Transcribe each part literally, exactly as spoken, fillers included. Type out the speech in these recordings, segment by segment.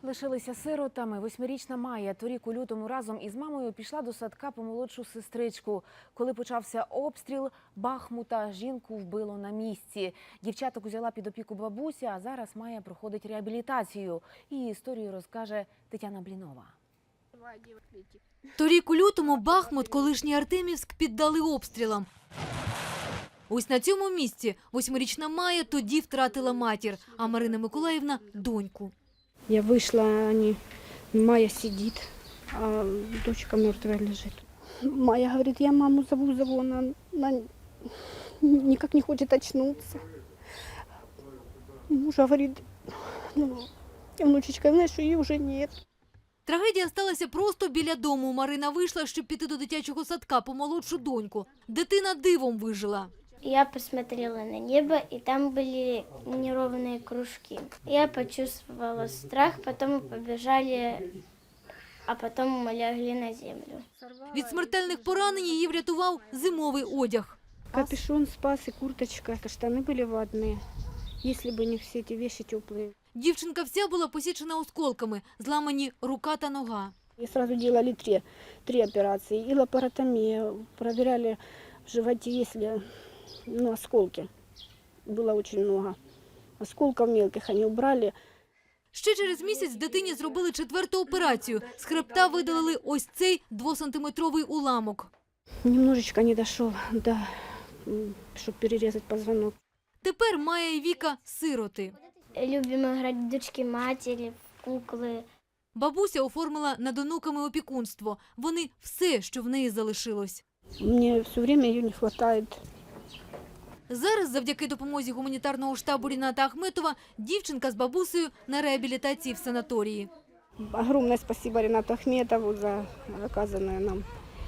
Лишилися сиротами. Восьмирічна Майя торік у лютому разом із мамою пішла до садка по молодшу сестричку. Коли почався обстріл Бахмута, жінку вбило на місці. Дівчаток узяла під опіку бабуся, а зараз Майя проходить реабілітацію. Її історію розкаже Тетяна Блінова. Торік у лютому Бахмут, колишній Артемівськ, піддали обстрілам. Ось на цьому місці восьмирічна Майя тоді втратила матір, а Марина Миколаївна – доньку. Я вышла, они, Майя сидит, а дочка мертвая лежит. Майя говорит, я маму зову, зову, она, она никак не хочет очнуться. Муж говорит, ну, внучечка, знаешь, что ее уже нет. Трагедія сталася просто біля дому. Марина вийшла, щоб піти до дитячого садка по молодшу доньку. Дитина дивом вижила. Я посмотрела на небо, и там были неровные кружки. Я почувствовала страх, потом мы побежали, а потом мы лягли на землю. Від смертельних поранень її врятував зимовий одяг. Капюшон спас и курточка, штаны были ватные, если бы не все эти вещи теплые. Дівчинка вся була посічена осколками, зламані рука та нога. И сразу делали три, три операции. И лапаротомия, проверяли в животе, если ну, осколки. Было очень много. Осколков мелких они убрали. Ще через місяць дитині зробили четверту операцію. З хребта видалили ось цей двосантиметровий уламок. Немножечко не дошел, да, чтобы перерезать позвонок. Тепер Майя і Віка – сироти. Любим играть в дочки-матери, в куклы. Бабуся оформила над онуками опікунство. Вони – все, що в неї залишилось. Мне все время ее не хватает. Зараз, завдяки допомозі гуманітарного штабу Ріната Ахметова, дівчинка з бабусею на реабілітації в санаторії. Огромное спасибо Ринату Ахметову за оказанное нам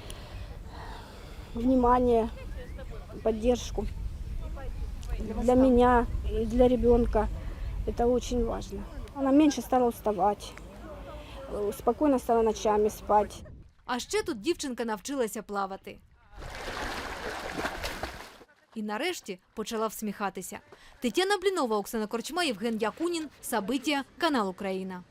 внимание, поддержку. Для меня и для ребенка это очень важно. Она меньше стала уставать, спокойно стала ночами спать. А ще тут дівчинка навчилася плавати. І нарешті почала всміхатися. Тетяна Блінова, Оксана Корчма, Євген Якунін, Сабиття, канал Україна.